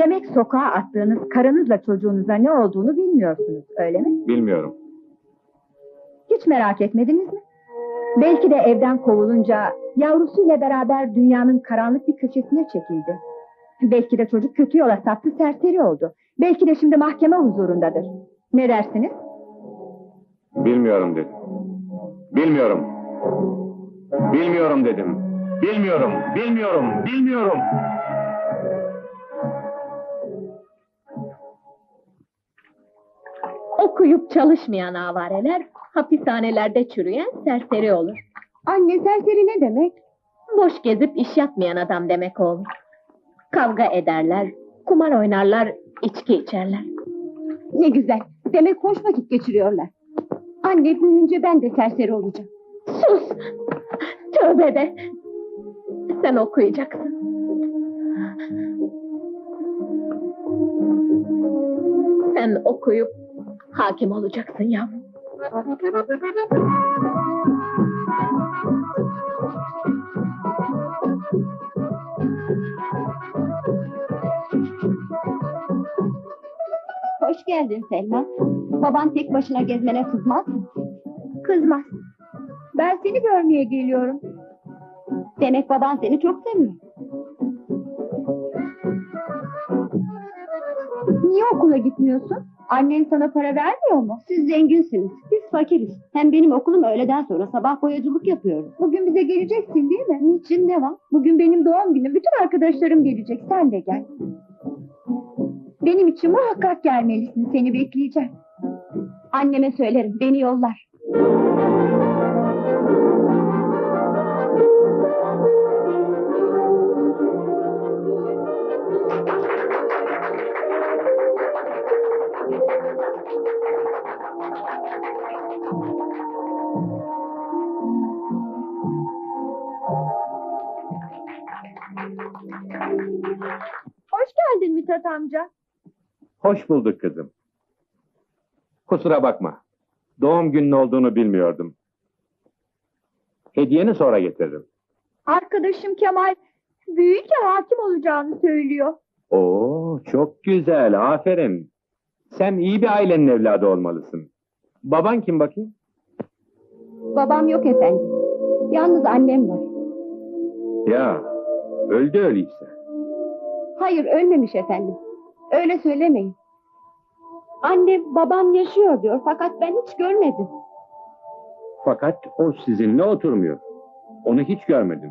Demek sokağa attığınız karınızla çocuğunuza ne olduğunu bilmiyorsunuz, öyle mi? Bilmiyorum. Hiç merak etmediniz mi? Belki de evden kovulunca yavrusuyla beraber dünyanın karanlık bir köşesine çekildi. Belki de çocuk kötü yola saptı, serseri oldu. Belki de şimdi mahkeme huzurundadır. Ne dersiniz? Bilmiyorum dedim. Bilmiyorum. Bilmiyorum dedim. Bilmiyorum, bilmiyorum. Okuyup çalışmayan avareler, hapishanelerde çürüyen serseri olur. Anne, serseri ne demek? Boş gezip iş yapmayan adam demek oğlum. Kavga ederler, kumar oynarlar, içki içerler. Ne güzel. Demek hoş vakit geçiriyorlar. Anne, büyüyünce ben de serseri olacağım. Sus! Tövbe de! Sen okuyacaksın. Sen okuyup hakim olacaksın yavrum. Hoş geldin Selma. Baban tek başına gezmene kızmaz mı? Kızmaz. Ben seni görmeye geliyorum. Demek baban seni çok seviyor. Niye okula gitmiyorsun? Annen sana para vermiyor mu? Siz zenginsiniz, biz fakiriz. Hem benim okulum öğleden sonra sabah boyacılık yapıyorum. Bugün bize geleceksin değil mi? Niçin, ne var? Bugün benim doğum günüm, bütün arkadaşlarım gelecek, sen de gel. Benim için muhakkak gelmelisin, seni bekleyeceğim. Anneme söylerim, beni yollar. Hoş geldin Mithat amca. Hoş bulduk kızım. Kusura bakma. Doğum günün olduğunu bilmiyordum. Hediyeni sonra getiririm. Arkadaşım Kemal büyüyünce hakim olacağını söylüyor. Oo, çok güzel, aferin. Sen iyi bir ailenin evladı olmalısın. Baban kim bakayım? Babam yok efendim. Yalnız annem var. Ya, öldü öyleyse. Hayır, ölmemiş efendim. Öyle söylemeyin. Annem babam yaşıyor diyor fakat ben hiç görmedim. Fakat o sizinle oturmuyor. Onu hiç görmedim.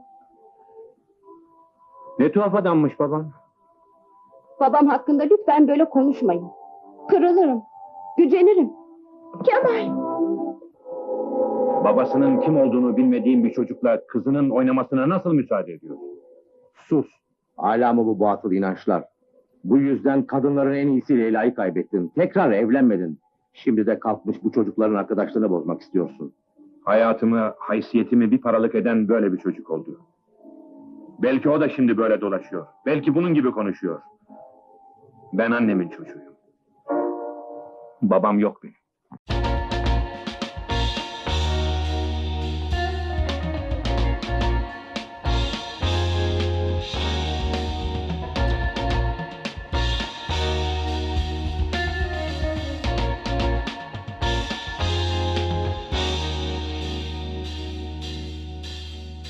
Ne tuhaf adammış baban. Babam hakkında lütfen böyle konuşmayın. Kırılırım, gücenirim. Kemal! Babasının kim olduğunu bilmediğin bir çocukla kızının oynamasına nasıl müsaade ediyorsun? Sus! Hala mı bu batıl inançlar? Bu yüzden kadınların en iyisi Leyla'yı kaybettin. Tekrar evlenmedin. Şimdi de kalkmış bu çocukların arkadaşlığını bozmak istiyorsun. Hayatımı, haysiyetimi bir paralık eden böyle bir çocuk oldu. Belki o da şimdi böyle dolaşıyor. Belki bunun gibi konuşuyor. Ben annemin çocuğuyum. Babam yok benim.